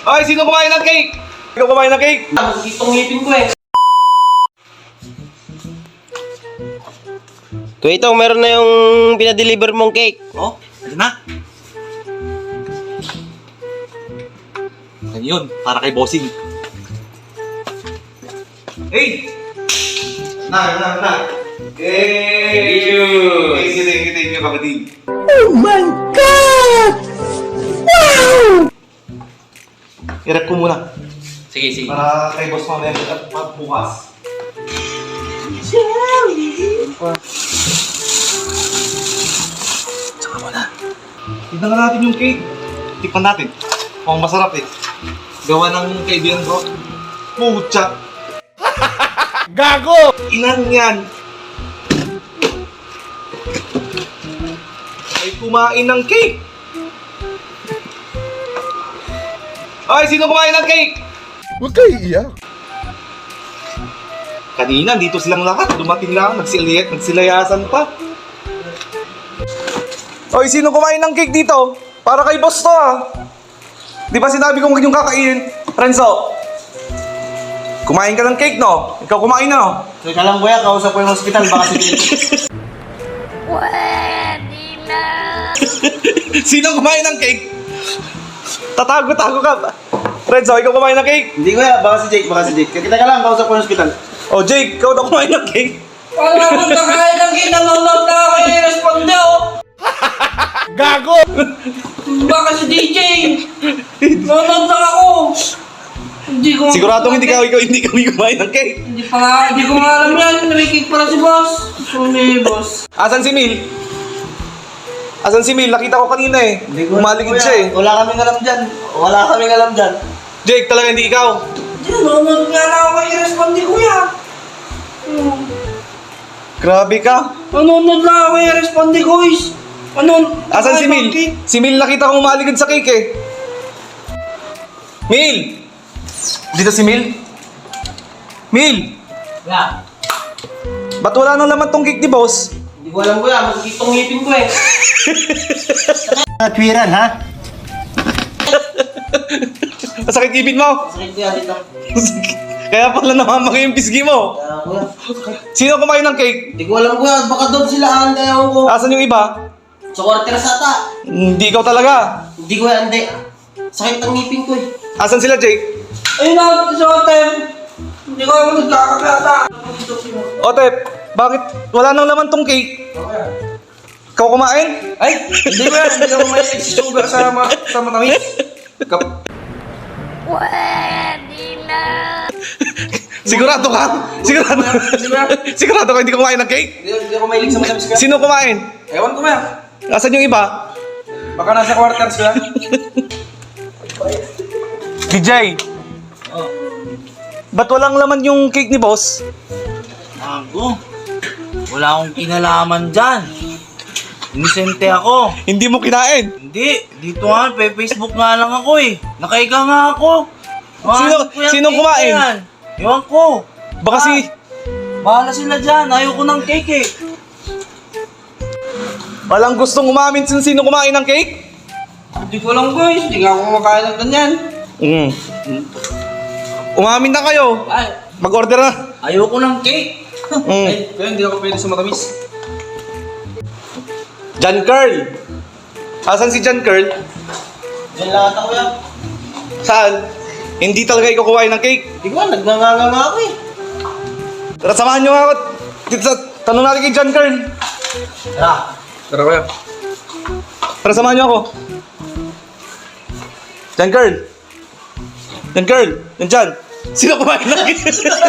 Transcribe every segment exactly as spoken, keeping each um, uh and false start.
Ay, sino kumain ng cake? Ikaw kumain ng cake? Masakit tong ngipin ko eh. Kuya Itong, meron na yung pinadeliver mong cake. Oh, ano na? Ano yun? Para kay bossing. Hey! Na, na, na. Hey! Thank you. Thank you, thank you, thank you, kapatid. Oh my God! Wow! I-rep ko muna. Sige, sige. Para kay boss mamaya at bukas. Tsaka muna. Tignan nga natin yung cake. Tikman natin. Mukhang masarap eh. Gawa ng kaibigan ko. Pucha! Gago! Inang yan! Ay kumain ng cake! Ay, sino kumain ng cake? Huwag kayo iiyak. Kanina, dito silang lahat. Dumating lang, nagsiliyat, nagsilayasan pa. Oy, sino kumain ng cake dito? Para kay boss to ah. Di ba sinabi ko huwag yung kakainin? Renzo, kumain ka ng cake no? Ikaw kumain na no? Teka lang kuya, kausap ko yung hospital. Baka si Pwede na. Sino kumain ng cake? Tatago-tago ka. Renzo, ikaw kumain ng cake? Hindi kuya, baka si Jake, baka si Jake. Kita ka lang, kausap ko yung hospital. Oh, Jake, ikaw daw kumain ng cake? Wala akong kakain ng cake, nanonood na ako yung responde oh. Gago! Baka si D J. Nanonood lang ako. Hindi ko Siguradong hindi ka, ikaw hindi kami kumain ng cake. Hindi pa nga, hindi ko nga alam yan. May cake pala si boss. So may boss. Asan si Mil? Asan si Mil? Nakita ko kanina eh. Umaligid siya eh. Wala kaming alam dyan. Wala kaming alam dyan. Jake, talaga hindi ikaw. Hindi, nanonood nga na ako yung responde kuya. Hmm. Grabe ka. Nanonood lang ako yung responde ko is. Ano? Asan si Mil? Si Mil nakita ko umaligid sa cake eh. Mil! Dito si Mil? Mil! Yeah. Ba't wala nang laman tong cake ni boss? Hindi ko alam kuya, masakit tong ngipin ko eh. Natwiran, ha? Masakit ipin mo? Masakit kuya dito. Kaya pala namamaki yung pisgi mo. Kaya kuya. Sino kumain ng cake? Hindi ko alam kuya, baka doon sila anda ewan ko. Asan yung iba? Sa quarter ata. Hindi ikaw talaga. Hindi ko hindi. Sakit ang ngipin ko eh. Asan sila Jake? Ayun na, sa hotel. Hindi ko alam nagkakakata. Otep, bakit wala nang laman tong cake? Ikaw kumain? Ay, hindi ko yan. Hindi ko may sugar sa, ma sa matamis. Kap Pwede na. Sigurado ka? Sigurado? Sigurado ka hindi ka kumain ng cake? Hindi, hindi ako mahilig sa matamis kuya. Sino kumain? Ewan ko kuya. Asan yung iba? Baka nasa quarters kuya. D J, Oh. ba't walang laman yung cake ni boss? Ako, wala akong kinalaman dyan. Inisente ako. Hindi mo kinain. Hindi, dito nga, pe Facebook nga lang ako eh. Nakahiga nga ako. Sino- Mahanap ko yung sinong cake kumain? na yan. Ewan ko. Baka si... Bahala sila dyan, ayoko ng cake eh. Walang gustong umamin kung sino kumain ng cake? Hindi ko alam guys. Hindi nga ako kumakain ng ganyan. Mm. Umamin na kayo. Ay, Mag-order na. Ayoko ng cake. Mm. ay, kaya hindi ako pwede sa matamis. John Curl. Asan si John Curl? Diyan lang ata kuya. Saan? Hindi talaga ikaw kumain ng cake. Hindi ko alam, nagnganganga nga ako eh. Tara, samahan nyo nga ako. Dito sa... Tanong natin kay John Curl. Tara. Tara kuya. Tara, samahan nyo ako. John Curl. John Curl. Yan dyan. Sino kumain ng cake?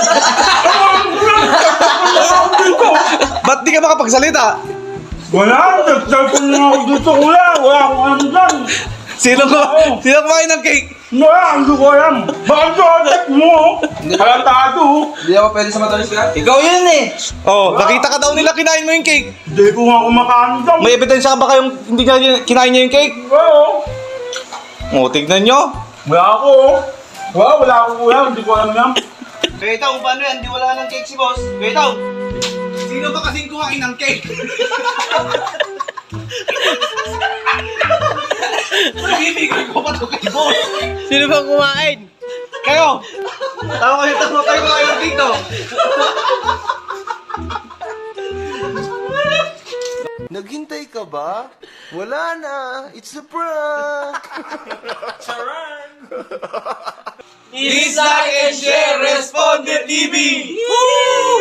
Ba't di ka makapagsalita? Wala! Nag-cellphone na ako dito, kuya! Wala akong alam dyan! Sino, kuma- sino kumain ng cake? Wala! Hindi ko alam! Bakit sa otak mo? Halatado! Hindi ako pwede sa matamis kuya. Ikaw yun eh. Oh, nakita ka daw nila kinain mo yung cake. Hindi ko nga kumakain dyan! May ebidensya ka ba kayong hindi niya kinain niya yung cake? Oo! Oh, tignan nyo. Wala ako! Wala! Wala ako, kuya! Hindi ko alam yan! Kaya itaw, paano yan? Di wala ng cake si boss. Kaya itaw, sino ba kasing kumain ng cake? Ibibigay ko pa to kay boss. Sino bang kumain? Kayo! Tama kayo, tama kayo kayo dito. Naghintay ka ba? Wala na. It's a prank. Please like and share Responde T V!